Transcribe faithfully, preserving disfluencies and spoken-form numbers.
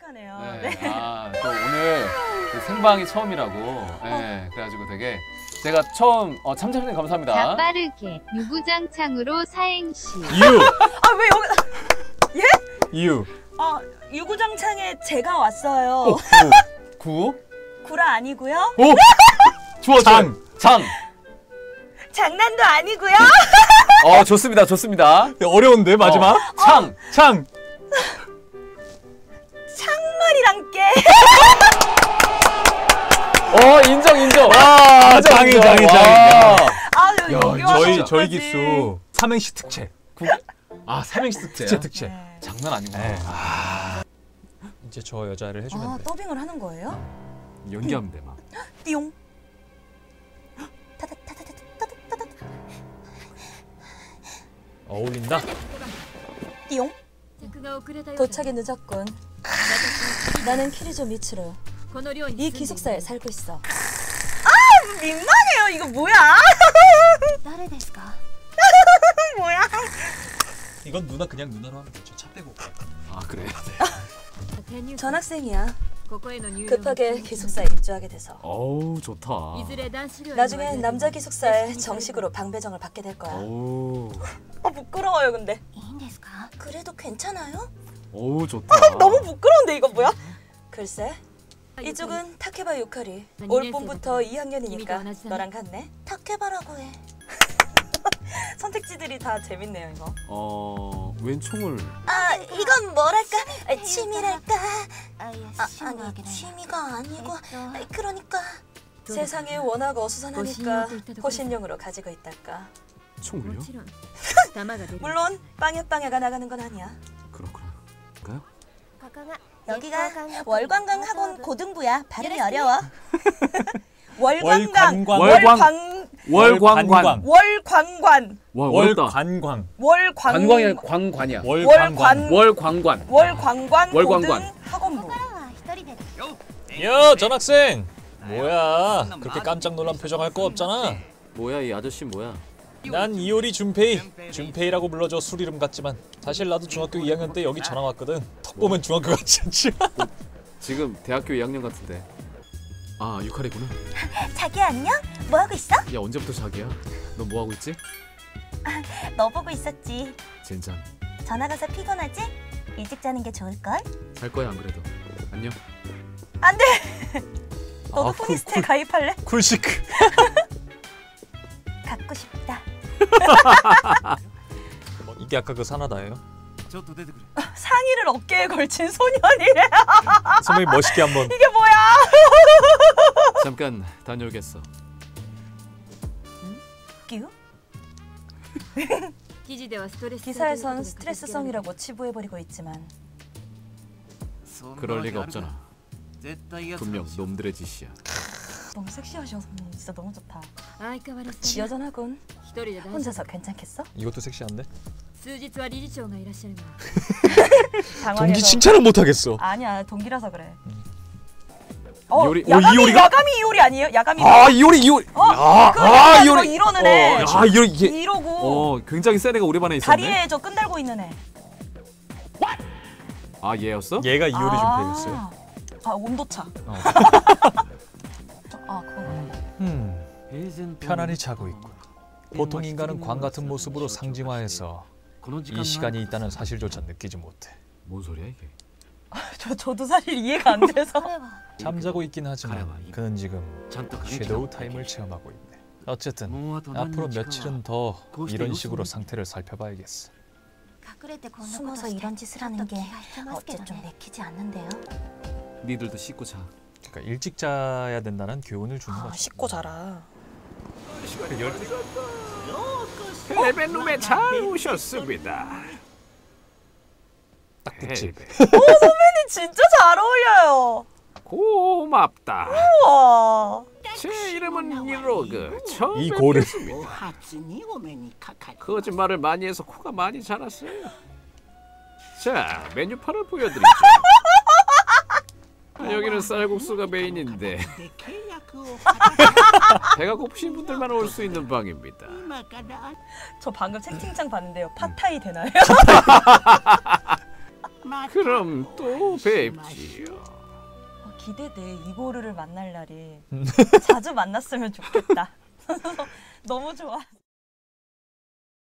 신기하네요. 네. 네. 아, 또 오늘 그 생방이 처음이라고. 네, 그래가지고 되게 제가 처음 어, 참참님 감사합니다. 자 빠르게 유구장창으로 사행시. 유. 아 왜 여기? 예? 유. 아 유구장창에 제가 왔어요. 오, 구. 구라 아니고요. 오. 좋아, 장. 장. 장난도 아니고요. 어, 좋습니다, 좋습니다. 어려운데 마지막. 어, 창. 창. 창말이랑 깨. 어, 인정, 인정. 와, 인정, 장이 인정. 장이 와. 장이. 아 여기 야, 여기 저희 와서 저희 어떡하지? 기수 삼행시 특채. 구. 아, 삼행시 특채야. 특채 특채. 네. 장난 아니구나. 네. 아. 이제 저 여자를 해주면 아 돼. 더빙을 하는 거예요? 연기하면 돼, 막. 띠용. 타다타다타다타다타다. 어울린다. 띠용. 도착이 늦었군. 나는 키리조 미츠루. 이 기숙사에 살고 있어. 아 민망해요. 이거 뭐야? 뭐야? 이건 누나 그냥 누나로 하면 되죠. 차 빼고. 아, 그래. 전학생이야. 급하게 기숙사에 입주하게 돼서. 어우, 좋다. 나중에 남자 기숙사에 정식으로 방배정을 받게 될 거야. 오. 아 부끄러워요 근데. 그래도 괜찮아요? 오, 좋다. 너무 부끄러운데 이거 뭐야? 글쎄 이쪽은 타케바 유카리. 올 봄부터 이 학년이니까 너랑 같네. 타케바라고 해. 선택지들이 다 재밌네요 이거. 어, 웬 총을. 아 이건 뭐랄까 아, 취미랄까. 아, 아니 취미가 아니고 아, 그러니까 세상이 워낙 어수선하니까 호신용으로 가지고 있달까. 총을요? 물론 빵야빵야가 나가는 건 아니야. 그렇구나. 여기가 월관광 학원 고등부야. 발음이 어려워. 월관광 월관- 월광관. 월광관 와, 어렵다. 월관광. 월광 관광이 광관이야. 월관광. 월광관. 월광관 월광관. 고등 학원부. 야, 전학생. 뭐야? 그렇게 깜짝 놀란 표정 할 거 없잖아. 뭐야, 이 아저씨 뭐야? 난 이효리 준페이. 준페이라고 불러줘. 술 이름 같지만 사실 나도 중학교 이 학년 때 여기 전학 왔거든. 턱 보면 중학교 같지 않지? 지금 대학교 이 학년 같은데. 아, 유카리구나. 자기 안녕? 뭐 하고 있어? 야, 언제부터 자기야? 너 뭐 하고 있지? 너 보고 있었지. 젠장. 전화 가서 피곤하지? 일찍 자는 게 좋을 걸? 잘 거야, 안 그래도. 안녕. 안 돼. 너도 아, 쿨, 포니스트에 쿨. 가입할래? 쿨시크. 갖고 싶다. 이게 아까 그 사나다예요? 상의를 어깨에 걸친 소년이래. 선배님 멋있게 한번. 이게 뭐야? 잠깐 다녀오겠어. 끼우? 기사에선 스트레스성이라고 치부해버리고 있지만 그럴 리가 없잖아. 분명 놈들의 짓이야. 너무 섹시하셔서 진짜 너무 좋다. 여전하군. 혼자서 괜찮겠어? 이것도 섹시한데? 당황해서. 동기 칭찬을 못 하겠어. 아니야 동기라서 그래. 어, 이효리- 어, 야가미, 이효리가- 야가미 이효리 아니에요? 야가미. 아, 이효리 이효리. 어? 아, 그 아, 약간 이효리. 뭐 이러는 애. 어, 아, 이효리 이게. 이러고 어, 굉장히 센 애가 우리 반에 있었네. 다리에 저 끈 달고 있는 애. 아, 얘였어? 얘가 이효리 아. 준페이였어요. 아 온도차. 어. 아 그건 음, 편안히 자고 있군. 보통 인간은 광 같은 모습으로 상징화해서 이 시간이 있다는 사실조차 느끼지 못해. 뭔 소리야 이게? 저 저도 사실 이해가 안 돼서. 잠자고 있긴 하지만 그는 지금 섀도우 타임을 체험하고 있네. 어쨌든 앞으로 며칠은 더 이런 식으로 상태를 살펴봐야겠어. 숨어서 이런 짓을 하는 게 어째 좀 내키지 않는데요? 니들도 씻고 자. 그러니까 일찍 자야 된다는 교훈을 주는 아 거죠. 씻고 자라. 헬베룸에 잘 오셨습니다. 딱 붙지. 오 선배님 진짜 잘 어울려요. 고맙다. 우와. 제 이름은 이로그. 처음 이 고를. 뵙겠습니다. 거짓말을 많이 해서 코가 많이 자랐어요. 자, 메뉴판을 보여드리죠. 아, 여기는 쌀국수가 메인인데 배가 고프신 분들만 올 수 있는 방입니다. 저 방금 채팅창 봤는데요. 팟타이 되나요? 그럼 또 뵙지요. 어, 기대돼. 이고르를 만날 날이 자주 만났으면 좋겠다. 너무 좋아.